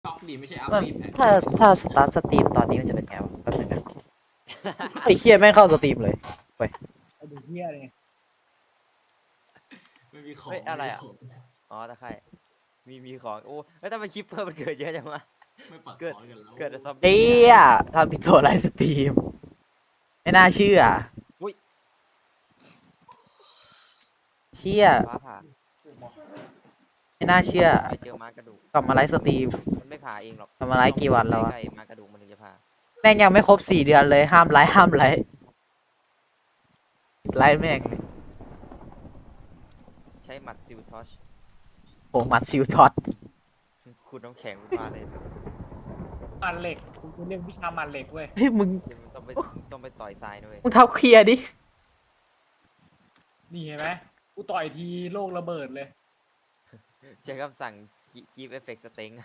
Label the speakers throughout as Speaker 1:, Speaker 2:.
Speaker 1: ออฟดีไม่ใช่อัพ
Speaker 2: มัน
Speaker 1: ดีแพ
Speaker 2: ถ้าสตาร์ทสตรีมตอนนี้มันจะเป็นไงวะแป๊บนึงนะไอ้เคียแม่งเข้าสตรีมเลย
Speaker 3: ไอ้ดูเฮียเลย
Speaker 1: ไม่มีของ
Speaker 4: เฮ้ยอะไรอะ
Speaker 1: ม่มีขง
Speaker 4: อ๋อตะไคร่มีของโอ้แล้วทำไมคลิปเพิ่มมันเกิดเยอะจังวะ
Speaker 1: ไม่ปัด
Speaker 4: เกิด
Speaker 1: ขอกันแล้ว
Speaker 4: เกิดแต่ซอม
Speaker 2: เอ้
Speaker 4: บี้
Speaker 2: ยทำผิดตัวไลฟ์สตรีมไม่น่าเชื่อเชี่ย
Speaker 4: ฟ้าผ่า
Speaker 2: ไม่น่าเชื่อ
Speaker 4: ไปเจอม้ากระดูก
Speaker 2: กลับมาไลฟ์สตรีม
Speaker 4: มันไม่ผ่าเองหรอก
Speaker 2: กลับมาไลฟ์กี่วันแล้ววะ
Speaker 4: ใกล้ๆม้ากระดูกมันถึงจะผ่า
Speaker 2: แม่งยังไม่ครบ4 เดือนเลยห้ามไลฟ์ห้ามไลฟ์ไลฟ์แม่ง
Speaker 4: ใช้หมัดซิลทอช
Speaker 2: โหมัดซิลท็อต
Speaker 4: คุณน้ำแข็งมาเลย
Speaker 3: มันเหล็กกูเรียกวิชามันเหล็กเว้ย
Speaker 2: เฮ้ยมึง
Speaker 4: มึงต้องไปต่อยทรายด้วย
Speaker 2: มึงเท้าเคลียร์ดิ
Speaker 3: นี่เห็นไหมกูต่อยทีโลกระเบิดเลย
Speaker 4: ใช้คำสั่งกีฟเอฟเฟกต์สเต็ง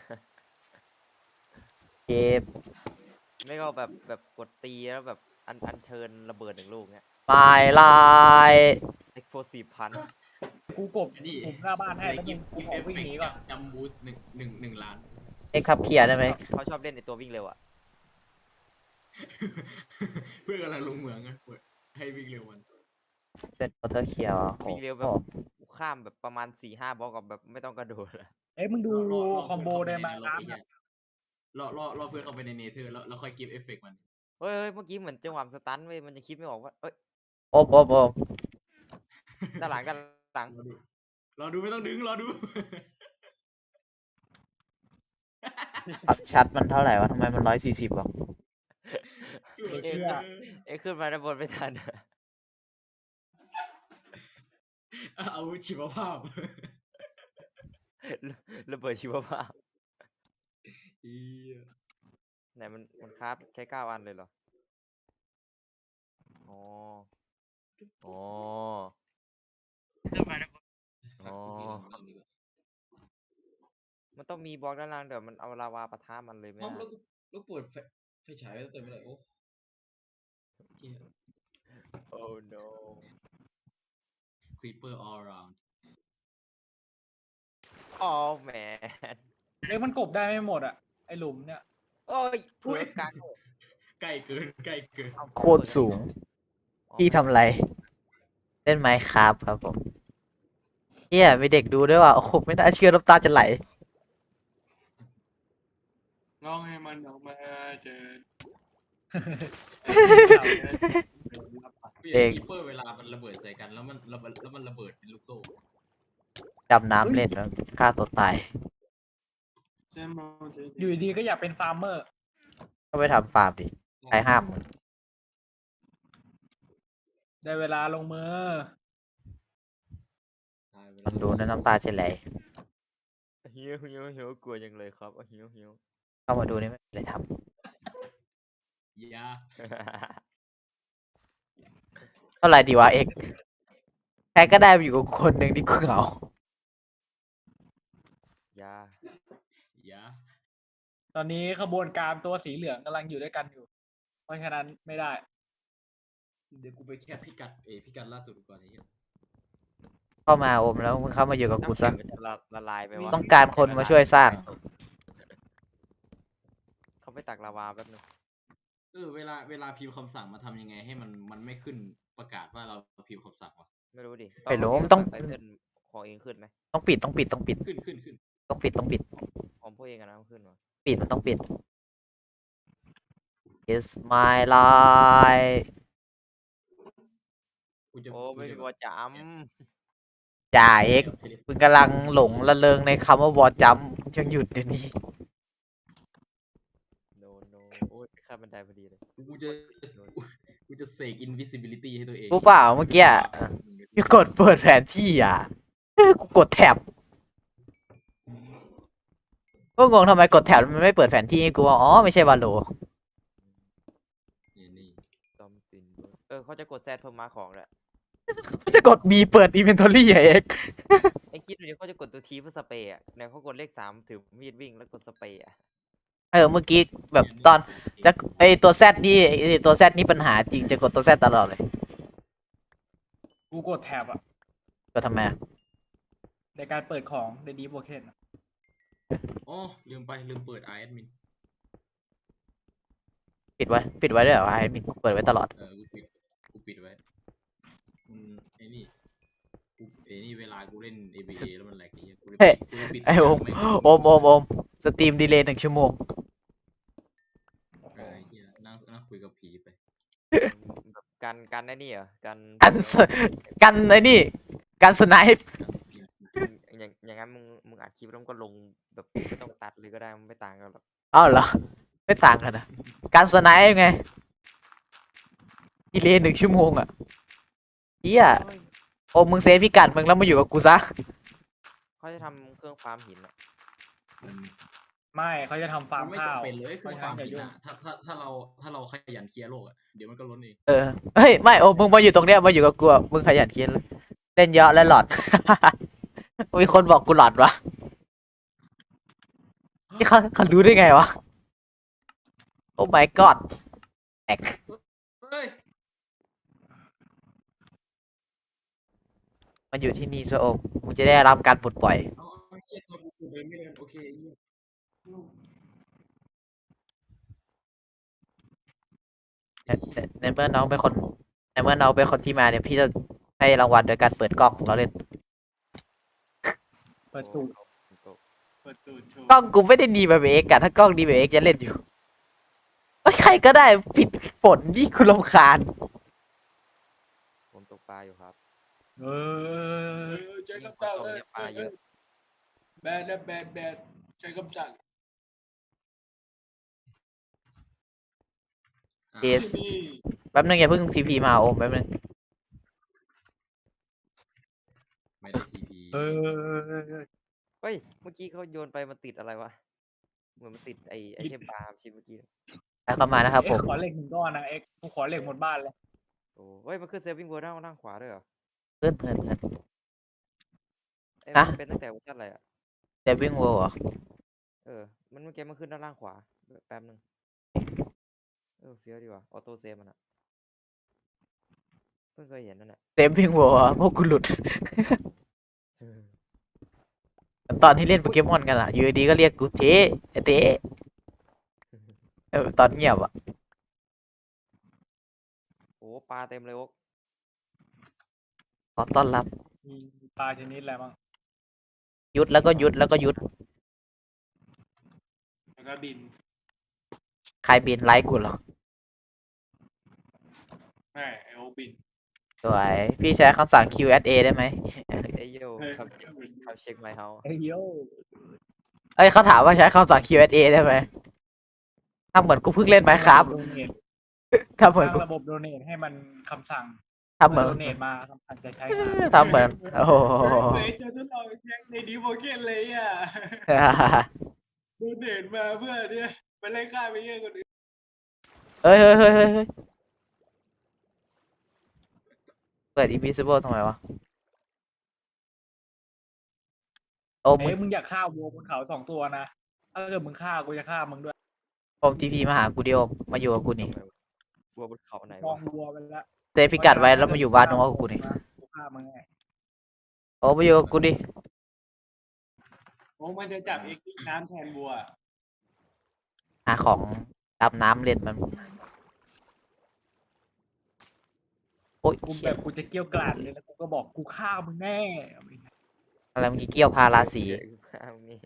Speaker 2: เก็บ
Speaker 4: ไม่ก็แบบกดตีแล้วแบบอันเชิญระเบิด1 ลูกเนี้ย
Speaker 2: ไมลาย
Speaker 4: เอ็กโพซีฟพัน
Speaker 3: กูกบ
Speaker 1: นี่
Speaker 3: กบหน้าบ้านให้
Speaker 1: ใน
Speaker 3: แล้ว
Speaker 1: กิ
Speaker 3: มึ
Speaker 1: ฟ
Speaker 3: ง
Speaker 1: ต์
Speaker 3: กู
Speaker 1: กิฟต์เอฟเฟ
Speaker 3: ออกวิ่ง
Speaker 1: ก
Speaker 3: หนี
Speaker 1: ต์
Speaker 3: ก่อน
Speaker 1: จัมบูส1 ล้าน
Speaker 2: เอ็กครับเคลียร์ได้ไหม
Speaker 4: เขาชอบเล่นในตัววิ่งเร็วอะ
Speaker 1: เพื่อนกำลังลงเหมืองกันให้วิ่งเร็วมัน
Speaker 2: เซตวอเตอร์เคลียร์
Speaker 4: วิ่งเร็วแบบข้ามแบบประมาณ4-5 บล็อกกับแบบไม่ต้องกระโดดอะ
Speaker 3: เอ้ยมึงดู
Speaker 1: ร
Speaker 3: คอมโบได้ไหม
Speaker 1: รอเพื่อนเข้าไปในนรกรอเพื่อนเข้าไปในเนเธอร์แล้วค่อยกิฟต์เอฟเฟกต์มัน
Speaker 4: เฮ้ยเมื่อกี้เหมือนจังหวะมันสตันเว้ยมันจะคิดไม่ออกว่าเอ้ย
Speaker 2: โอบโอบโอบ
Speaker 4: ด้านหลัง
Speaker 1: รอดูไม่ต้องดึงรอดู
Speaker 2: ชัดมันเท่าไหร่วะทำไมมัน140วะ
Speaker 4: เอ้ยขึ้นมาด้านบนไม่ทัน
Speaker 1: อาวุธชีวภาพ
Speaker 4: ระเบิดชีวภาพ
Speaker 1: อี
Speaker 4: ไหนมันคราฟใช้9 อันเลยเหรออ๋ออ๋ออ๋อมันต้องมีบล็อกด้านล่างเดี๋ยวมันเอาลาวาปะทะมันเลยไหม
Speaker 1: แล้วเปิดไฟฉายแล้วเติมไม่ได้โอ้เหี้ย
Speaker 4: โอ้ no
Speaker 1: creeper all around
Speaker 4: อ๋อแมน
Speaker 3: เอ้ยมันกบได้ไม่หมดอ่ะไอหลุมเนี่ย
Speaker 4: โอ้ยเผือกกลาง
Speaker 1: ใกล้เกินใกล้เกิน
Speaker 2: โคตรสูง พี่ทำอะไร เล่นไมค์ครับครับผมเฮียมีเด็กดูด้วยว่ะโอ้โหไม่น่าเชื่อน้ำตาจะไหล
Speaker 1: ร้องให้มันออกมาเจอ
Speaker 2: เด็ก
Speaker 1: คีเปอร์เวลามันระเบิดใส่กันแล้วมันระเบิดเป็นลูกโซ่
Speaker 2: ดำน้ำเล่นแล้วฆ่าตัวตาย
Speaker 3: อยู่ดีๆก็อยากเป็นฟาร์มเมอร์
Speaker 2: ก็ไปทำฟาร์มดิใครห้ามมึง
Speaker 3: ได้เวลาลงมือ
Speaker 2: มันดูนะน้ำตาจะไหล
Speaker 4: หิวกลัวจังเลยครับหิว
Speaker 2: เข้ามาดูนี่ไม่มีอะไรท
Speaker 1: ยา
Speaker 2: ำเท่าไหร่ดีวะเอกใครก็ได้มาอยู่กับคนหนึ่งที่กูเหงา
Speaker 4: ยา
Speaker 1: ยา
Speaker 3: ตอนนี้ขบวนการตัวสีเหลืองกำลังอยู่ด้วยกันอยู่ เพราะฉะนั้นไม่ได้
Speaker 1: เดี๋ยวกูไปแค่พิกัดล่าสุดก่อนไอ้เหี้ย
Speaker 2: เข้ามาอมแล้วมึงเข้ามาอยู่กับกู
Speaker 4: น้ำ
Speaker 2: ซะ
Speaker 4: แข็งมันจะละลายไปวะ
Speaker 2: ต้องการคนมาช่วยสร้าง
Speaker 4: เขาไปตักลาวาแป๊บนึง
Speaker 1: เวลาพิมพ์คำสั่งมาทำยังไงให้มันไม่ขึ้นประกาศว่าเราพิมพ์คำสั่งวะ
Speaker 4: ไม่รู้ดิ
Speaker 2: ไม่รู้
Speaker 4: เา
Speaker 2: มันต้อง
Speaker 4: ไตเติ้ลของเองขึ้นไหม
Speaker 2: ต้องปิด
Speaker 1: ขึ้น
Speaker 2: ต้องปิด
Speaker 4: ของพวกเองอะนะมันขึ้นวะ
Speaker 2: ปิดมันต้องปิด It's my life
Speaker 1: กูจะ
Speaker 4: โอ้ไม่มีวอจ
Speaker 2: จ่าเอกมึงกำลังหลงระเริงในคำว่าวอจัมยังหยุดเดี๋ยวนี้
Speaker 4: ำโนโอ้ยข้ามบันไดพอดีเลย
Speaker 1: กูจะเสก invisibility ให้ตัวเอง
Speaker 2: รู้เปล่าเมื่อกี้กูกดเปิดแผนที่อ่ะกูกดแท็บก็งงทำไมกดแท็บมันไม่เปิดแผนที่ให้กูว่าอ๋อไม่ใช่วาโล
Speaker 1: นี่
Speaker 4: ซอมตินเขาจะกดแซดเพิ่มมาของด้วย
Speaker 2: ก็จะกด B เปิด inventory อ่ะเอก
Speaker 4: ไอ้คิดดูดิเขาจะกดตัวทีเพื่อสเปรย์อะเนี่ยเขากดเลข3ถือมีดวิ่งแล้วกดสเปรย์อะ
Speaker 2: เมื่อกี้แบบตอนจะไอตัว Z นี่ไอ้ตัว Z นี่ปัญหาจริงจะกดตัว Z ตลอดเลย
Speaker 3: กูกดแท็บอ่ะ
Speaker 2: ก็ทำไมอะ
Speaker 3: ในการเปิดของในดีโวเคน
Speaker 1: อ๋อลืมเปิด admin
Speaker 2: ปิดไว้ด้วยเหรอไอ้มินกูเปิดไว้ตลอด
Speaker 1: กูปิดไว้ไอ้นี่เวลากูเล่น ABA แล้วมันแหลกไอ้เหี้ยกูเลย
Speaker 2: เฮ้ย
Speaker 1: ปิด
Speaker 2: ไอ้
Speaker 1: ทุก
Speaker 2: โอ
Speaker 1: ย่าง
Speaker 2: ม
Speaker 1: ไม่
Speaker 2: โอมสตรีมดีเลย์1 ชั่วโมง
Speaker 1: ไอ้เหี้ยนั่งคุยกับผีไป
Speaker 4: แบบกันไอ้นี่เหรอกัน
Speaker 2: กันสกันไอ้นี่กันสไนป์
Speaker 4: อย่างนั้นมึงอัดคลิปแล้วมึงก็ลงแบบไม่ต้องตัดเลยก็ได้มันไม่ต่างกันหรอก
Speaker 2: อ้าวเหรอ ไม่ต่างกันนะกันสไนป์ไงดีเลย์1 ชั่วโมงอ่ะเฮีย
Speaker 4: เฮ้ย
Speaker 2: โอมมึงเซฟพิกัดมึงแล้วมาอยู่กับกูซะ
Speaker 4: เขาจะทำเครื่องฟาร์มหินอะ
Speaker 1: มัน
Speaker 3: ไม่เขาจะทำฟาร์ม
Speaker 1: ไม่
Speaker 3: ข้าว
Speaker 1: จำเป็นเลยคือความ
Speaker 3: เพระฉะนั้นอย่า
Speaker 1: ผิด
Speaker 3: ยุ่ง
Speaker 1: นะถ้าเราขยันเคลียร์โลกอ่ะเดี๋ยวมันก็ล้นเอง
Speaker 2: เออเฮ้ยไม่โอมมึงมาอยู่ตรงเนี้ยมาอยู่กับกูอะมึงขยันเขียนเล่นเยอะและหลอด มีคนบอกกูหลอดวะนี่เขารู้ได้ไงวะโอ้ my god แอก
Speaker 1: เฮ้ย
Speaker 2: มาอยู่ที่นี่ซะโอมมึงจะได้รับการปลดปล่อย
Speaker 1: เอาเคลียร์ตัวกูเดินไม่เดินโอเคเหี้ย
Speaker 2: ในเมื่อน้องเป็นคนในเมื่อน้องเป็นคนที่มาเนี่ยพี่จะให้รางวัลโดยการเปิดกล้องของเราเล่น
Speaker 3: เปิดตูด
Speaker 4: โอ้
Speaker 3: เปิดตูดโชว์
Speaker 2: กล้องกูไม่ได้ดีแบบเอ็กซ์อะถ้ากล้องดีแบบเอ็กซ์จะเล่นอยู่เอ้ยใครก็ได้ปิดฝนนี่คุณรำคาญ
Speaker 4: ผมตกปลาอยู่ครับ
Speaker 3: เออใช้
Speaker 4: ยิ่ง
Speaker 3: คำสั่ง
Speaker 4: ฝนตกเนี่ยปลาเยอะ
Speaker 3: แบนนะแบนใช้คำสั่ง
Speaker 2: เอสแป๊บนึงอย่าเพิ่งพีพีมาโอมแป๊บนึง
Speaker 1: ไม่ได้ทีพี
Speaker 3: เออ
Speaker 4: เฮ้ยเมื่อกี้เขาโยนไปมันติดอะไรวะเหมือนมันติดไอเทมปลาชิ้นเมื่อกี้
Speaker 2: แล้วเข้ามานะครับผ
Speaker 3: เอ็ก
Speaker 2: ม
Speaker 3: ซ์ขอเหล็ก1 ก้อนนะเอ็กซ์กูขอเหล็กหมดบ้านเลย
Speaker 4: โอ้เฮ้ยมันขึ้นเซฟวิ่งเวอร์ด้านขวาด้วยเหรอ
Speaker 2: เพื่อน
Speaker 4: เอ้ย
Speaker 2: ฮะ
Speaker 4: มันเป็นตั้งแต่เวอร์ชันอะไรอะ
Speaker 2: เดวิงโวเหรอ
Speaker 4: เออมันเมื่อกี้มันขึ้นด้านล่างขวาแป๊บนึงเฟี้ยวดีว่ะออโต้เซฟมันอะเพิ่งเคยเห็นนั่นแหละ
Speaker 2: เดวิงโวอะพวกกูหลุด ตอนที่เล่นโปเกมอนกันอะอยู่ดีๆก็เรียกกูเทไอ้เทตอนเงียบอะ
Speaker 4: โอ้ปลาเต็มเลยโอ๊ก
Speaker 2: ขอต้อนรับ
Speaker 3: มีปลาชนิดอะไรบ้าง
Speaker 2: ยุดแล้วก็ยุดแล้วก็ยุด
Speaker 3: แล้วก็บิน
Speaker 2: ใครบินไลค์กูเหรอ
Speaker 3: ใช่ไอโอบิน
Speaker 2: สวยพี่ใช้คำสั่ง Q&A ได้ไหม
Speaker 4: เอยโยครับเช็คไมค์เฮา
Speaker 3: เฮ้ยโย
Speaker 2: เอ้ยเขาถามว่าใช้คำสั่ง Q&A ได้ไหมถ้าเหมือนกูเพิ่งเล่นไหมครับ
Speaker 3: โดเนท
Speaker 2: ถ้าเหมือน
Speaker 3: ตั้ง
Speaker 2: กู
Speaker 3: ระบบโดเนทให้มันคำสั่ง
Speaker 2: ถ้าเหมือน
Speaker 3: โดเนทมาคำสั่งจะใช้งาน
Speaker 2: ถ้าเหมือนโอ้โห
Speaker 3: เฮ้ยเจอทดลองแช็คในดีโมเกนเลยอ่ะโดเนทมาเพื่อเนี่ยไปไล่ฆ่าไปเยอะคนอื่น
Speaker 2: เฮ้ยเปิด Invisible ทำไมวะโอมมึ
Speaker 3: เอ้ย
Speaker 2: ง
Speaker 3: มึงอยากฆ่าวัวบนเขา2 ตัวนะถ้าเกิดมึงฆ่ากูจะฆ่ามึงด้วย
Speaker 2: โอมทีพีมาหากูเดียวมาอยู่กับกูนี่
Speaker 4: วัวบนเขาไหน
Speaker 3: มอ
Speaker 4: วะ
Speaker 3: งวัวไปแล้ว
Speaker 2: เซฟพิกัดไว้แล้วมาอยู่บ้านน้องกับกูนี่
Speaker 3: กูฆ่ามึงไง
Speaker 2: โอ้มาอยู่กับกูดิ
Speaker 3: โอ้มันจะจับเอ็กซ์น้ำแทนวัว
Speaker 2: หาของดำน้ำเล่นมันโอ้ย
Speaker 3: กู
Speaker 2: เชี่
Speaker 3: แบ
Speaker 2: ย
Speaker 3: บกูจะเกรี้ยวกราดเลยแล้วกูก็บอกกูฆ่ามึงแน่
Speaker 2: อะไรเมื่อกี้เกี้ยวพาราสี
Speaker 4: เอางี้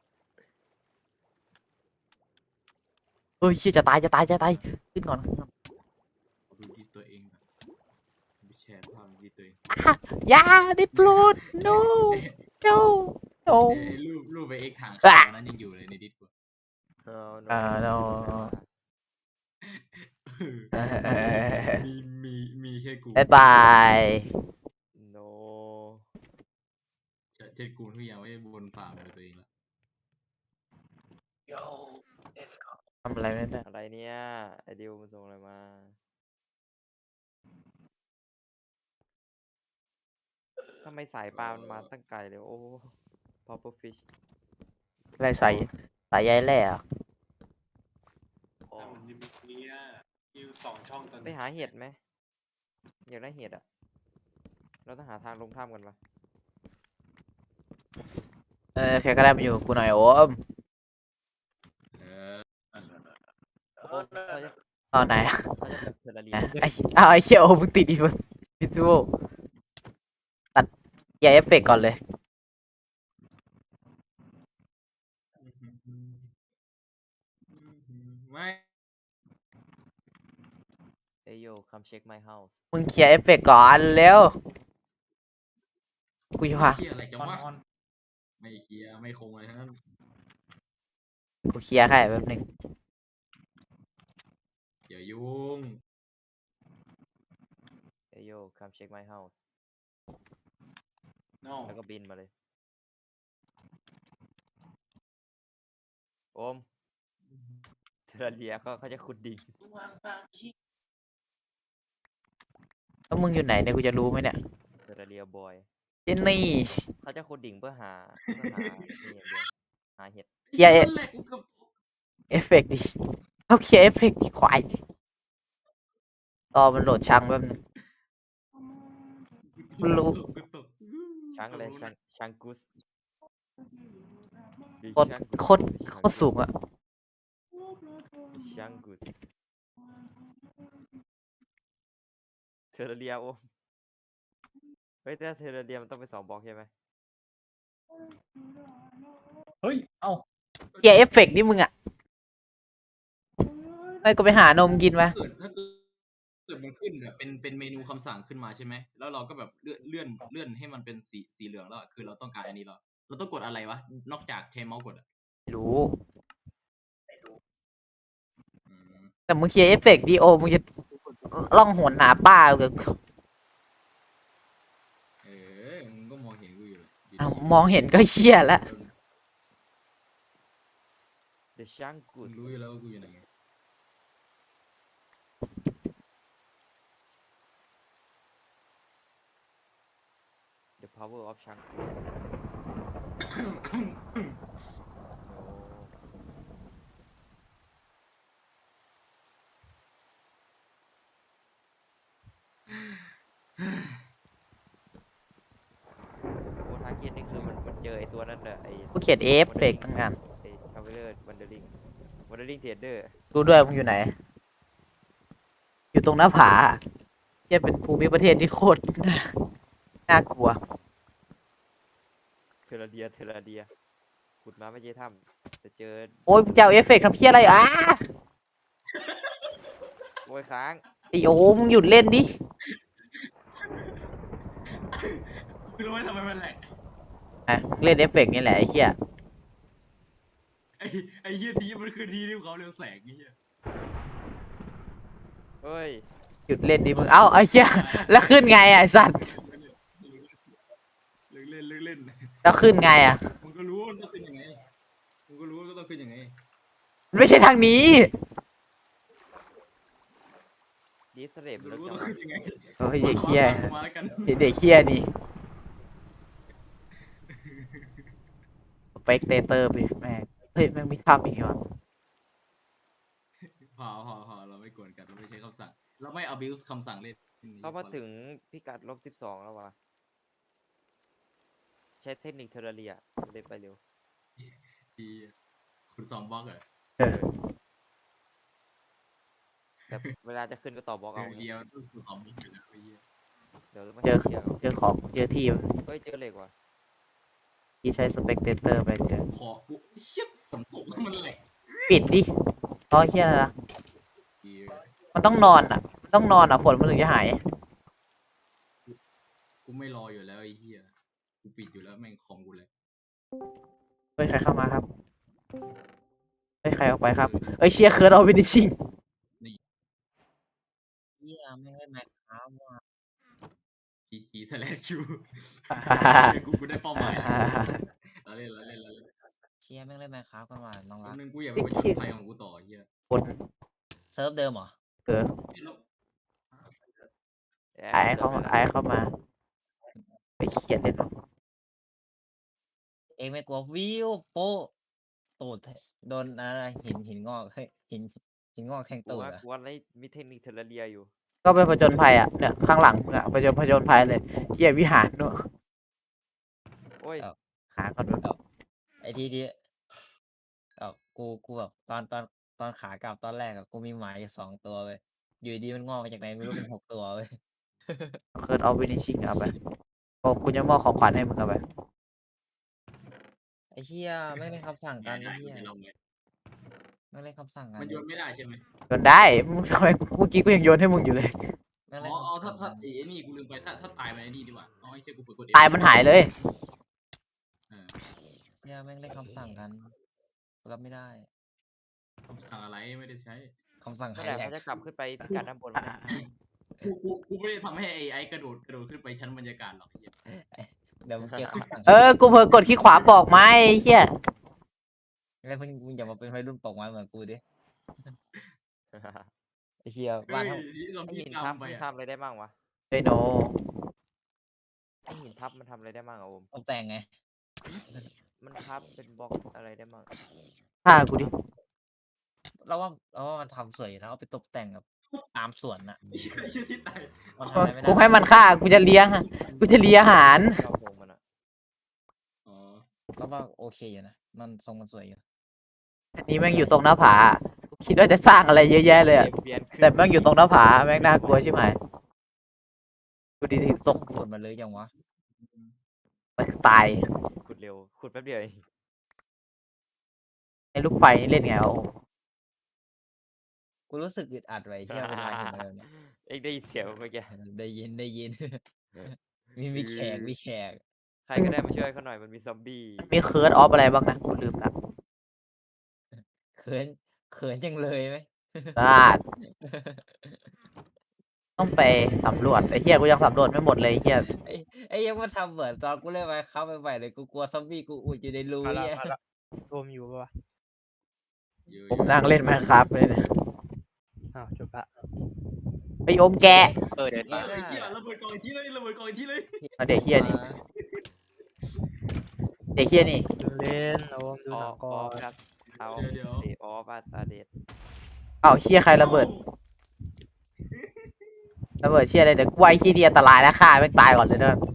Speaker 2: เฮ้ยเชี่ยจะตายขึ้นก่อน
Speaker 1: ดูที่ตัวเองแบบไปแชร์ภาพที่ตัวเอง
Speaker 2: อย่าได้โปรด no no no
Speaker 1: ไอ้รูปไปเอ็กทาง
Speaker 2: อ่ะ
Speaker 1: เขานั้นยังอยู่เลยในดิสก์
Speaker 2: no
Speaker 1: มีแค่กู
Speaker 2: บายบาย
Speaker 4: โน
Speaker 1: เช่นกูทุกอย่างไม่บนฝ่ามือตัวเองละ
Speaker 3: โย let's go
Speaker 2: ทำอะไรไม่ได้
Speaker 4: อะไรเนี่ยไอดิวมันส่งอะไรมาทำไมสายปลามันมาตั้งไกลเลยโอ้ popper fish
Speaker 2: อะไรใส่ใยแร่เหรอ
Speaker 4: อ๋อ
Speaker 3: มันจะมีเนี่ยมี2 ช่องตอน
Speaker 4: ไปหาเห็ดไหมอยากได้เห็ดอ่ะเราต้องหาทางลงถ้ำกันปะ
Speaker 2: ใครก็ได้มาอยู่กับกูหน่อยโอม
Speaker 1: เออ
Speaker 4: โอ้เขาจะ
Speaker 2: ตอนไหนอะ
Speaker 4: เขาจะแบบเทอร์เรีย
Speaker 2: ไอ้เชี่ยโอมมึงติดอีวิทูตัดอย่าเอฟเฟกต์ก่อนเลย
Speaker 1: ไม่
Speaker 4: เอยโย come check my house
Speaker 2: มึงเคลียร์เอฟเฟกต์ก่อนเร็วกูจะพา
Speaker 1: เคลียร์อะไรจัง
Speaker 3: ออน
Speaker 1: วะ
Speaker 3: ออน
Speaker 1: ไม่เคลียร์ไม่คงอะไรทั้งนั้น
Speaker 2: กูเคลียร์ให้แป๊บนึง
Speaker 1: อย่ายุ่ง
Speaker 4: เอยโย come check my house
Speaker 3: โน่
Speaker 4: แล้วก็บินมาเลยโอมเทอร์เรียก็เขาจะขุดดิ่ง
Speaker 2: แล้วมึงอยู่ไหนเนี่ยกูจะรู้ไหมเนี่ย
Speaker 4: เทอร์เรียบอย
Speaker 2: เจนนี่
Speaker 4: เขาจะขุดดิ่งเพื่อหานี่อย่างเดียวหาเห็ด
Speaker 2: อย่า
Speaker 1: นั่นแหละกูเกือบ
Speaker 2: เอฟเฟกต์ดิเอาเคลียร์เอฟเฟกต์ดิควายรอมันโหลดช่างแป๊บนึง รู้
Speaker 1: กูตก
Speaker 4: ช้างอะไรช้างกุส
Speaker 2: โคตรโคตรโคตรสูงอะ
Speaker 4: ช้างกุสเทอร์เรียโอมเฮ้ยแต่เทอร์เรียมันต้องเป็น2 บล็อกใช่ไหม
Speaker 3: เฮ้ย เอ้า
Speaker 2: เคลียร์เอฟเฟกต์นี่มึงอะไม่ก็ไปหานมกินไหม
Speaker 1: ถ้าเกิดมันขึ้นแบบเป็นเมนูคำสั่งขึ้นมาใช่ไหมแล้วเราก็แบบเลื่อนให้มันเป็นสีเหลืองแล้วอะคือเราต้องการอันนี้แล้วเราต้องกดอะไรวะนอกจากใช้เมาส์กดอะ
Speaker 2: ไม่รู้
Speaker 1: อืม
Speaker 2: แต่มึงเคลียร์เอฟเฟกต์ดิโอมึงจะล่องหนหาป้ากับ
Speaker 1: เออมึงก็มองเห็นกูอยู่เลยดีๆ
Speaker 2: อ้าวมองเห็นก็เชี่ยแล้ว
Speaker 4: เดอะช้างกุ
Speaker 1: มึง
Speaker 4: ส
Speaker 1: รู้อยู่แล้วว่ากูอยู่ไหนไง
Speaker 4: เดอะพาวเวอร์ออฟช้างกุสโอ้ทาร์เก็ตนี่คือมันเจอไอตัวนั้นน่ะไอ
Speaker 2: กูเขียนเอฟเฟกต์ตั้งนาน
Speaker 4: ไอทาวเวอร์วันเดอริงเทรดเดอร์
Speaker 2: ดูด้วยมึงอยู่ไหน อยู่ตรงหน้าผาเที่ยเป็นภูมิประเทศที่โคตรน่ากลัว
Speaker 4: เทอร์เรียขุดมาไม่เจอถ้ำแต่เจอ
Speaker 2: โอ้ยจะเอาเอฟเฟกต์ทำเพี้ยอะไรอ่ะ
Speaker 4: โอ้ยค้าง
Speaker 2: ไอโอมงหยุดเล่นดิ
Speaker 1: มึงรู้ไหมทำไมมันแหลก
Speaker 2: อ่ะเล่นเอฟเฟกต์นี่แหละไอ้เหี้ย
Speaker 1: ไอ้เหี้ยทีมันคือทีที่เขาเรียกแสงไอ้เหี้ย
Speaker 4: เฮ้ย
Speaker 2: หยุดเล่นดิมึงเอ้าไอ้เหี้ยแล้วขึ้นไงอ่ะไอ้สัตว์
Speaker 1: เลิกเล่นเลิกเล่น
Speaker 2: แล้วขึ้นไงอ่ะ
Speaker 1: มึงก็รู้ว่ามันต้องขึ้นยังไงมึงก็รู้ว่าก็ต้องขึ้นยังไง
Speaker 2: มันไม่ใช่ทางนี้
Speaker 4: ดีสเลป
Speaker 1: มึง
Speaker 4: แล้ว
Speaker 1: รู้
Speaker 4: จั
Speaker 1: ว่าง ต้อง
Speaker 4: วะ
Speaker 1: ขึ้นยังไง
Speaker 2: โอ้ยเด็กเหี้ย
Speaker 1: มาแล้วกัน
Speaker 2: เด็กเหี้ยนี่สเปกเตเตอร์ไปแม่งเฮ้ยแม่งมีภาพอีกเหรอ
Speaker 1: พอเราไม่กวนกันเราไม่ใช้คำสั่งเราไม่ abuse คำสั่งเล่น
Speaker 4: เข้ามาถึงพิกัด-12แล้ววะใช้เทคนิคเทอร์เรียเลยไปเร็ว
Speaker 1: ที่คุณสองบล็อกเหรอ
Speaker 2: เออ
Speaker 4: แต่เวลาจะขึ้นก็ต่อบล็อกเอา
Speaker 1: เดียวคุณสองบล็อกอยู่แล้วไอ้เหี้ย
Speaker 4: เดี๋ยวไม่
Speaker 2: เจอ
Speaker 4: เชื่อ
Speaker 2: เจอของเจอที่
Speaker 4: เฮ้ยเจอเหล็กว่ะ
Speaker 2: ที่ใช้สเปกเตเตอร์ไปเจอ
Speaker 1: ขอกูเชี่ยฝนตกมันแหลก
Speaker 2: ปิดดิอ๋อเหี้ยอะไรล่ะ
Speaker 1: เหี้ย
Speaker 2: มันต้องนอนอ่ะมันต้องนอนอ่ะฝนมันถึงจะหาย
Speaker 1: กูไม่รออยู่แล้วไอ้เหี้ยกูปิดอยู่แล้วแม่งคอมกูเลย
Speaker 2: เฮ้ยใครเข้ามาครับเฮ้ยใครออกไปครับเอ้ยเชียร์เคิร์ดเอาไปดิชิง
Speaker 5: เหี้ยไม่ให้แม็กครับว่ะ
Speaker 1: GG /Q กูได้เป้าหมายเราเล่น
Speaker 5: เชียร์แม่งเล่นแม็กครับกันว่ะน้อง
Speaker 1: แป๊
Speaker 5: รับ ก
Speaker 1: นึงกูอยากไปประชนภัยของกูต่อไอ้เหี้ย
Speaker 2: คน
Speaker 5: เซิร์ฟเดิมเหรอ
Speaker 2: เออ
Speaker 1: แล้ว
Speaker 2: ไอ้เข้ามาไอ้เข้ามาไปเขียนเล่นหรอ
Speaker 5: เองไม่กลัววิวโป๊ะตูดโดนอะไรหินงอกเฮ้ยหินงอกแทง
Speaker 4: กู
Speaker 5: ตูด
Speaker 4: ว่า
Speaker 5: อ่ะ
Speaker 4: กูว่าไอ้มีเทคนิคเทอร์เรียอยู่
Speaker 2: ก็ไปผจญภัยอ่ะเนี่ยข้างหลังมึงอ่ะผจญภัยเลยเกียร์วิหารด้วย
Speaker 4: โอ้ย
Speaker 2: หาก่อนด้วย
Speaker 5: ไอ้ที่กูแบบตอนขากลับตอนแรกอะกูมีหมาอยู่2 ตัวเว้ยอยู่ดีมันงอกมาจากไหนไม่รู้เป็น6 ตัวเว้ย
Speaker 2: เคิร์ดออฟวินิชิ่งเอาไปโอ้กูจะมอบของขวัญให้มึงเอาไป
Speaker 5: ไอ้เหี้ยไม่งเล่นคำสั่งกันไอ้
Speaker 1: ได้
Speaker 5: เหี้ย
Speaker 1: ไม่เราไง
Speaker 5: ไม่งเล่นคำสั่งกัน
Speaker 1: มันโยนไม่ได้ใช่ไหม
Speaker 2: โยนได้มึงทำไมเมื่อกี้กูยังโยนให้มึงอยู่เลย
Speaker 5: แม่ง
Speaker 1: อ๋
Speaker 5: เล่
Speaker 1: อน
Speaker 5: คำ
Speaker 1: อ๋อ
Speaker 5: สั่ง
Speaker 1: ถ้า
Speaker 5: กัน
Speaker 1: ไอ้นี่กูลืมไปถ้าตายมันไอ้นี่ดีกว่าอ๋อไอ้เชี่ยกูเปิดกด
Speaker 2: ตายมันหายเลย
Speaker 5: เหี้ยแม่งเล่นคำสั่งกันกูรับไม่ได้
Speaker 1: คำสั่งอะไรไม่ได้ใช้
Speaker 5: คำสั่ง
Speaker 4: เมื่
Speaker 5: หา
Speaker 4: อย ไหร่
Speaker 5: แหลก
Speaker 4: เขาจะกลับขึ้นไปพิกัดด้านบนวะเนี่ย
Speaker 1: กูไม่ได้ทำให้ไอ้กระโดดขึ้นไปชั้นบรรยากาศหรอกไอ้เหี้ย
Speaker 5: เดี๋ยวมึงเจอคำสั่ง
Speaker 2: กูเผลอกดขี้ขวาปอกไม้ไอ้เหี้ย
Speaker 5: แล้วมึงอย่ามาเป็นวัยรุ่นปกไม้เหมือนกูดิไอ้เหี้ยบ้าน
Speaker 1: เฮ้ย
Speaker 5: ทั้ง
Speaker 1: ที่ซอม
Speaker 4: ไอ
Speaker 1: บี้
Speaker 4: หิน
Speaker 1: ตา
Speaker 4: ทั
Speaker 1: ม
Speaker 4: บ
Speaker 1: ไป
Speaker 4: มัน
Speaker 1: อะ
Speaker 4: ทำอะไรได้บ้างวะ
Speaker 2: ไอ้โน
Speaker 4: ไอหินทับมันทำอะไรได้บ้างอะโอม
Speaker 5: ตกแต่งไง
Speaker 4: มันทับเป็นบล็อกอะไรได้บ้าง
Speaker 2: ฆ่ากูดิ
Speaker 5: เราว่ามันทำสวยอยู่แล้วเอาไปตกแต่งกับตามสวนน่ะ
Speaker 1: ไอ้เชี่ยที่ตาย
Speaker 5: มันทำอะไรไม่ได้
Speaker 2: กูให้มันฆ่ากูจะเลี้ยงอะกูจะเลี้ยงอาหาร
Speaker 4: ชอบโพงมันอะ
Speaker 1: อ๋อ
Speaker 5: เราว่าโอเคอยู่นะมันทรงมันสวยอยู่
Speaker 2: อันนี้แม่งอยู่ตรงหน้าผากูคิดว่าจะสร้างอะไรเยอะแยะเลยอะ
Speaker 4: เปลี่ยนขึ้น
Speaker 2: แต่แม่งอยู่ตรงหน้าผาแม่งน่ากลัวใช่ไหมดูดิตก
Speaker 5: ขุดมาเลยยังวะ
Speaker 2: มันตาย
Speaker 4: ขุดเร็วขุดแป๊บเดียวเอง
Speaker 2: ไอ้ลูกไฟนี่เล่นไงวะโอ้
Speaker 5: กูรู้สึกอึดอัดไว้เชี่ยเวลาเห็นอะไรแบบเนี่ย
Speaker 4: เอ็งได้ยินเสียงเมื่อกี้
Speaker 5: ได้ยิน มีแขกมีแขก
Speaker 4: ใครก็ได้มาช่วยเขาหน่อยมันมีซอมบี้
Speaker 2: มีเคิร์ดออฟอะไรบ้างนะกูลืมละ
Speaker 5: เขินจังเลยไหม
Speaker 2: พลาดต้องไปสำรวจไอ้เหี้ยกูยังสำรวจไม่หมดเลยไอ้เหี้ย
Speaker 5: ไอ้ยังมาทำเหมือนตอนกูเล่นไมค์ครับใหม่ๆเลยกูกลัวซอมบี้กูอุดอยู่ในรู
Speaker 6: มาละ
Speaker 5: เนี่ย
Speaker 6: มาละรวมอยู่ปะวะ
Speaker 1: อยู่
Speaker 2: ผมนั่งเล่นไหมครับเลยเนี่ย
Speaker 6: อ้าวจบละ
Speaker 2: ไปอมแกะ
Speaker 7: เดิน
Speaker 1: เอ
Speaker 7: มา
Speaker 1: อไอ้เชี่ยระเบิดกองอีกทีเลยระเบิดกองอีกทีเลย
Speaker 2: เอาเด็กเหี้ยนี่เด็กเหี้ยนี่
Speaker 6: ดูเล่นโอมดู
Speaker 4: อ
Speaker 6: หนั
Speaker 4: อง ก
Speaker 6: ก่อ
Speaker 4: อน ครับเอา
Speaker 1: เดี๋ยว
Speaker 4: เดทออฟาตาเดท
Speaker 2: เอ้าเหี้ยใครระเบิดระเบิดเชี่ยอะไรเดี๋ยวกูไอ้เหี้ยนี่อันตรายแล้วฆ่าแม่งตายก่อนเลยเด้อ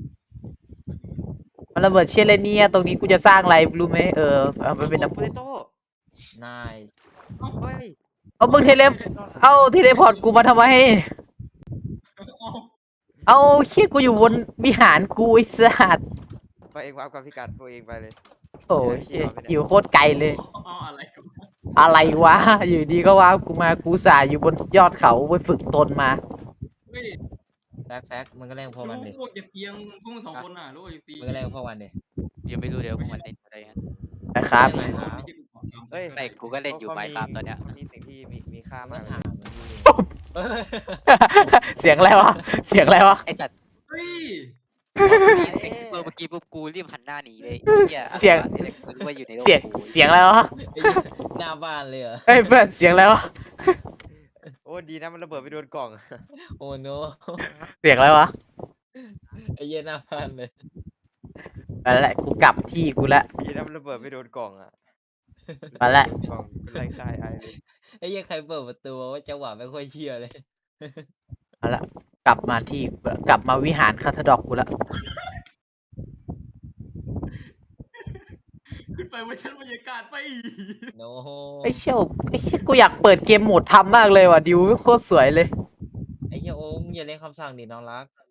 Speaker 2: มันระเบิดเชี่ยอะไรเนี่ยตรงนี้กูจะสร้างอะไรรู้ไหมเอาไปเป็นน้ำ
Speaker 4: โป
Speaker 2: พุ
Speaker 4: เตโต้
Speaker 5: นาย
Speaker 4: เฮ้ย
Speaker 2: เอามึงเทเลเทเลพอร์ตกูมาทำไม เอาเชี่ยกูอยู่บนวิหารกูไอ้สัตว์
Speaker 4: ไปเองวางกับพิกัดตัวเองไปเลย
Speaker 2: โอ้ยเชี่ยอยู่โคตรไกลเลย
Speaker 1: อ๋ออะไรวะ
Speaker 2: อะไรวะ อยู่ดีก็ว่ากูมากูสายอยู่บนยอดเขาไปฝึกตนมา
Speaker 1: เฮ้ย
Speaker 5: แฟกมึงก็เล่นกับพวกมันดิ
Speaker 1: รู้พวกจะเพียงพวกมึงสองคนน่ะรู้ไอ้ซี
Speaker 5: มึงก็เล่นกับพวกมันดิ
Speaker 7: ยังไม่รู้เดี๋ยวพวกมันเล่นอะไรกัน
Speaker 2: นะครับ
Speaker 5: เล่นไหมครับ
Speaker 4: เฮ้ย
Speaker 7: ไม่กูก็เล่นอยู่
Speaker 4: ขา
Speaker 7: ไมค์ครับตอนเนี้ย
Speaker 4: เขามีสิ่งที่มีค่า
Speaker 5: ไม่
Speaker 4: มากเลย
Speaker 5: ถามมึงดิ
Speaker 2: เสียงอะไรวะ เสียงอะไรวะ
Speaker 7: ไอสัตว์
Speaker 1: เฮ้ย
Speaker 7: เมื่อกี้ปุ๊บกูรีบหันหน้าหนีเลย
Speaker 2: เสียง
Speaker 7: กูรู้ว่าอยู่ในโลก
Speaker 2: เสียง
Speaker 7: กู
Speaker 2: เสียงอะไรวะ
Speaker 5: หน้าบ้านเลยเหรอ
Speaker 2: เฮ้ยเพื่อนเสียงอะไรวะ
Speaker 4: โอ้ดีนะมันระเบิดไปโดนกล่อง
Speaker 5: โอ้โน
Speaker 2: เสียงอะไรวะ
Speaker 5: ไอ้เหี้ยหน้าบ้านเลย
Speaker 2: มาแล้วกูกลับที่กูละ
Speaker 4: ดีนะมันระเบิดไปโดนกล่องอะ
Speaker 2: มาละ
Speaker 4: กล่องเป็นไรคายไอเลย
Speaker 5: ไอ้เหี้ยใครเปิดประตูว่าจังหวะไม่ค่อยเชื่อเลย
Speaker 2: มาละกลับมาที่กลับมาวิหารคาทาดอกกูละ
Speaker 1: ขึ้นไปบนชั้นบรรยากาศไป
Speaker 5: โน
Speaker 2: ไอ้เชี่ยกูอยากเปิดเกมโหมดทำมากเลยว่ะดิวโคตรสวยเลย
Speaker 5: ไอ้เหี้ยโอ้มงอย่าเล่นคำสั่งดิน้องรัก